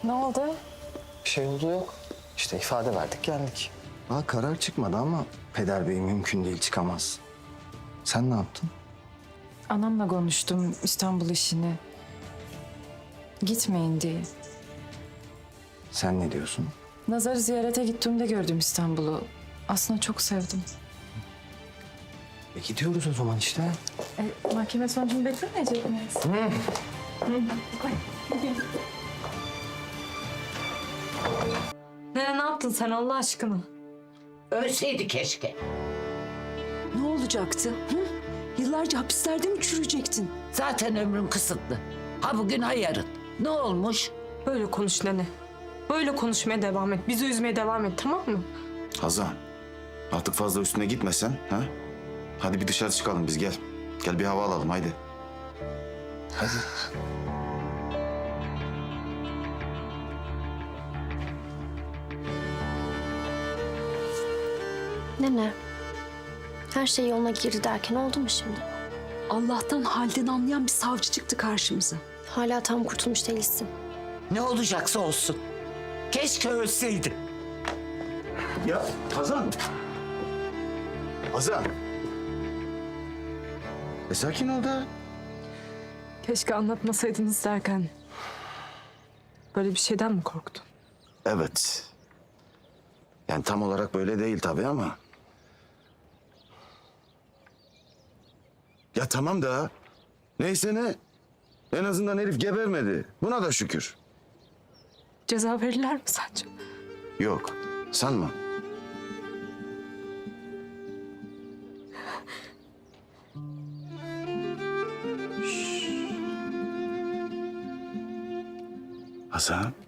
Ne oldu? Bir şey oldu yok. İşte ifade verdik geldik. Daha karar çıkmadı ama Peder Bey mümkün değil çıkamaz. Sen ne yaptın? Anamla konuştum İstanbul işini. Gitmeyin diye. Sen ne diyorsun? Nazar'ı ziyarete gittiğimde gördüm İstanbul'u. Aslında çok sevdim. Gidiyoruz o zaman işte. Mahkeme sonucunu beklemeyecek miyiz? Ne yaptın sen Allah aşkına? Ölseydi keşke. Ne olacaktı? Hı? Yıllarca hapislerde mi çürüyecektin? Zaten ömrüm kısıtlı. Ha bugün ha yarın. Ne olmuş? Böyle konuş nene. Böyle konuşmaya devam et. Bizi üzmeye devam et, tamam mı? Hazan, artık fazla üstüne gitmesen, ha? Hadi bir dışarı çıkalım biz, gel. Gel bir hava alalım, haydi. Hadi. Nene, her şey yoluna girdi derken oldu mu şimdi? Allah'tan halden anlayan bir savcı çıktı karşımıza. Hala tam kurtulmuş değilsin. Ne olacaksa olsun. Keşke ölseydi. Ya Hazan! Hazan! Sakin ol da. Keşke anlatmasaydınız derken... Böyle bir şeyden mi korktun? Evet. Yani tam olarak böyle değil tabii ama. Ya tamam da. Neyse ne. En azından herif gebermedi. Buna da şükür. Ceza verirler mi sence? Yok, sanma. Şşş. Hasan.